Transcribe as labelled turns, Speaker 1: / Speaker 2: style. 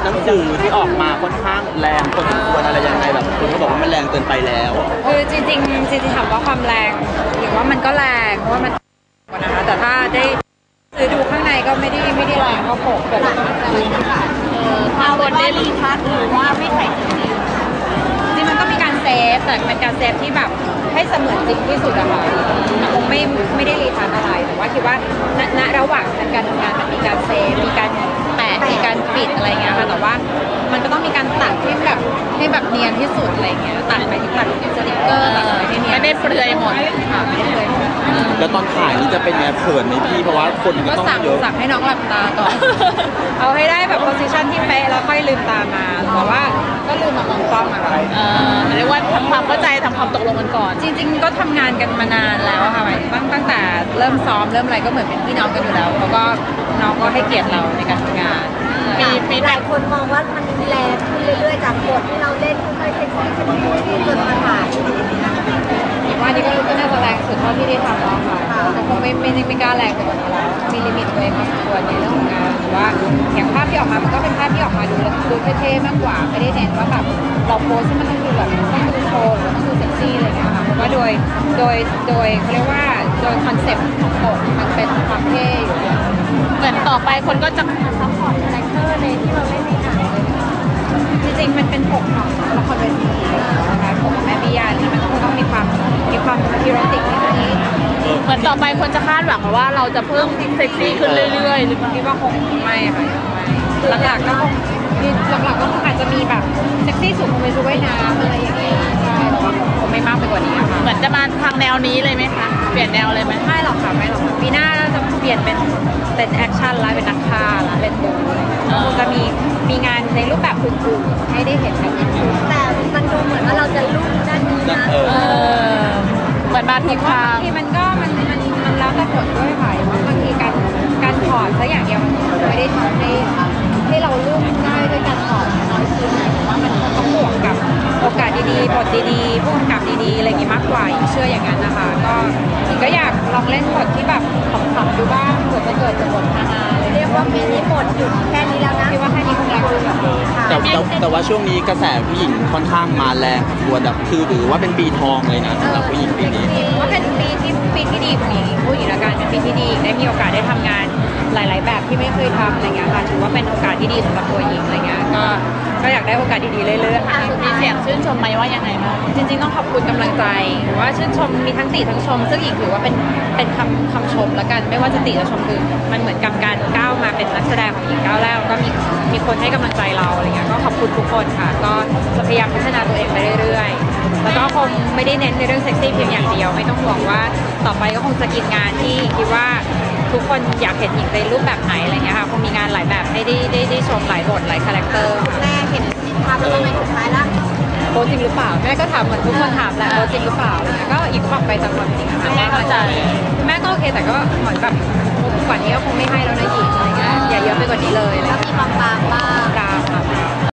Speaker 1: หนังสือที่ออกมาค่อนข้างแรงพอสมควรอะไรยังไงแบบคนก็บอกว่ามันแรงเกินไปแล้ว
Speaker 2: คือจริงถามว่าความแรงหรือว่ามันก็แรงเพราะว่ามันนะคะแต่ถ้าได้ซื้อดูข้างในก็ไม่ได้แรงเท่าปกแบบ
Speaker 3: มาบนได้รีทัชหรือว่าไม่ใส่จ
Speaker 2: ริงมันก็มีการเซฟแต่เป็นการเซฟที่แบบให้เสมือนจริงที่สุดอะค่ะคงไม่ได้รีทัชอะไรแต่ว่าคิดว่าณระหว่างการทำงานมันมีการเซฟมีการแปะมีการปิดอะไรเงี้ยค่ะแต่ว่ามันก็ต้องมีการตัดให้แบบเนียนที่สุดอะไรเงี้ยตัดไปที่ตัดสติกเกอร์ตัดอะไรให้เนียน
Speaker 3: ไม่ได้เปลือยหมด
Speaker 2: ค่ะไม่ได้เปลือยหมด
Speaker 1: แล้วตอนถ่ายนี่จะเป็นไงเขินไหมพี่เพราะว่าคนก็ต้องเยอะ
Speaker 2: สั่งให้น้องหลับตาก่อนเอาให้ได้แบบโพสิชันที่เป๊ะแล้วค่อยลืมตามาแต่ว่าก็ลืมมามองกล้องอะค่ะ
Speaker 3: เรียกว่าทำความเข้าใจทำความตกลงกันก่อน
Speaker 2: จริงๆก็ทำงานกันมานานแล้วค่ะตั้งแต่เริ่มซ้อมเริ่มอะไรก็เหมือนเป็นพี่น้องกันอยู่แล้วแล้วก็น้องก็ให้เกียรติเราในการทำงาน
Speaker 4: มีหลายคนมองว่ามันแรงขึ้นเรื่อยๆจากบทที่เราเล่นค่อยๆเซ็กซี่จนมาถ่าย
Speaker 2: ว่านี่ก็น่าจะแรงสุดเท่าที่ได้ทำแล้วค่ะคงไม่กล้าแรงเกินไปแล้วมีลิมิตตัวเองพอสมควรในเรื่องของงานหรือว่าอย่างภาพที่ออกมามันก็เป็นภาพที่ออกมาดูเท่ๆมากกว่าไม่ได้เน้นว่าแบบเราโพสที่มันต้องดูแบบต้องดูโชว์หรือต้องดูเซ็กซี่อะไรเงี้ยค่ะเพราะว่าโดยเขาเรียกว่าโดยคอนเซ็ปต์ของบทมันเป็นความเท่อยู่
Speaker 3: เหมือนต่อไปคนก็จะซัพพอร์ตคาแรคเตอร์ในที่เราเล่นในหนังเลย
Speaker 2: จริงๆมันเป็นปกของละครเวทีนะคะปกของแม่บิยาเนี่ยมันก็คงต้องมีความฮีโรติกนิดนึง
Speaker 3: เหมือนต่อไปคนจะคาดหวังว่าเราจะเพิ่มเซ็กซี่ขึ้นเรื่อยๆหรือเปล่า
Speaker 2: คิดว่าคงไม่ค่ะหลักๆก็คงอาจจะมีแบบเซ็กซี่สุดคงเป็นชุดว่ายน้ำอะไรอย่างเงี้ยใช่แต่ว่าคงไม่มากไปกว่านี้ค่ะ
Speaker 3: เหมือนจะมาทางแนวนี้เลยไหมคะเปลี่ยนแนวเลยไหม
Speaker 2: ไม่หรอกค่ะปีหน้าเราจะเปลี่ยนเป็นแอคชั่นแล้วเป็นนักฆ่าแล้วเล่นบู๊คงจะมีงานในรูปแบบอื่นๆให้ได้เห็นกัน
Speaker 4: แต่มันดูเหมือนว่าเราจะลุ่มด้านนี้นะ
Speaker 3: เหมือนบางที
Speaker 2: ที่มันแล้วแต่บทด้วยค่ะบางทีการถอดซะอย่างเดียวมันไม่ได้ทำให้เราลุ่มได้ด้วยการถอดน้อยชิ้นว่ามันต้องบวกกับโอกาสดีๆบทดีๆผู้กำกับดีๆอะไรอย่างงี้มากกว่าเชื่ออย่างนั้นนะคะก็อยากลองเล่นบทที่แบบขำๆดูบ้างเผื่อจะเกิดจากบทฮาๆ
Speaker 4: เรียกว่าปีนี้บทหยุดแค่นี้แล้วนะ
Speaker 2: คิดว่าแค่นี้คงแรงขึ้น
Speaker 1: แต่ว่าช่วงนี้กระแสผู้หญิงค่อนข้างมาแรงตัวแบบคือหรือว่าเป็นปีทองเลยนะสำหรับผู้หญิงปีนี้
Speaker 2: ว่าเป็นปีที่ดีของผู้หญิงละกันเป็นปีที่ดีได้มีโอกาสได้ทำงานหลายๆแบบที่ไม่เคยทำอะไรเงี้ยค่ะถือว่าเป็นโอกาสที่ดีสำหรับตัวหญิงอะไรเงี้ยก็อยากได้โอกาสดีๆเรื่อย
Speaker 3: ๆมีเสียงชื่นชมไหมว่ายังไงบ้าง
Speaker 2: จริงๆต้องขอบคุณกำลังใจหรือว่าชื่นชมมีทั้งติทั้งชมซึ่งหญิงถือว่าเป็นคำชมละกันไม่ว่าจะติหรือชมคือมันเหมือนกับการก้าวมาเป็นนักแสดงของหญิงก้าวแรกก็มีคนให้กำลังใจเราอะไรเงี้ยก็ขอบคุณทุกคนค่ะก็จะพยายามพัฒนาตัวเองไปเรื่อยๆแล้วก็คงไม่ได้เน้นในเรื่องเซ็กซี่เพียงอย่างเดียวไม่ต้องห่วงว่าต่อไปก็คงจะกินงานที่คิดว่าทุกคนอยากเห็นหญิงในรูปแบบไหนอะไรเงี้ยค่ะคงมีงานหลายแบบให้ได้ชมหลายบทหลายคาแรคเตอร์
Speaker 4: แม่เห็นภาพแล้วทำไมสุดท้ายล่ะ
Speaker 2: โตจริงหรือเปล่าแม่ก็ถามเหมือนทุกคนถามแหละโตจริงหรือเปล่าก็อีกความไปตามความจริงค่ะ
Speaker 3: แม่เข้าใจ
Speaker 2: แม่ก็โอเคแต่ก็เหมือนแบบกว่านี้ก็คงไม่ให้แล้วนะหญิงอะไรเงี้ยอย่าเยอะไปกว่านี้เลย
Speaker 4: แล้วมีบางบ้าง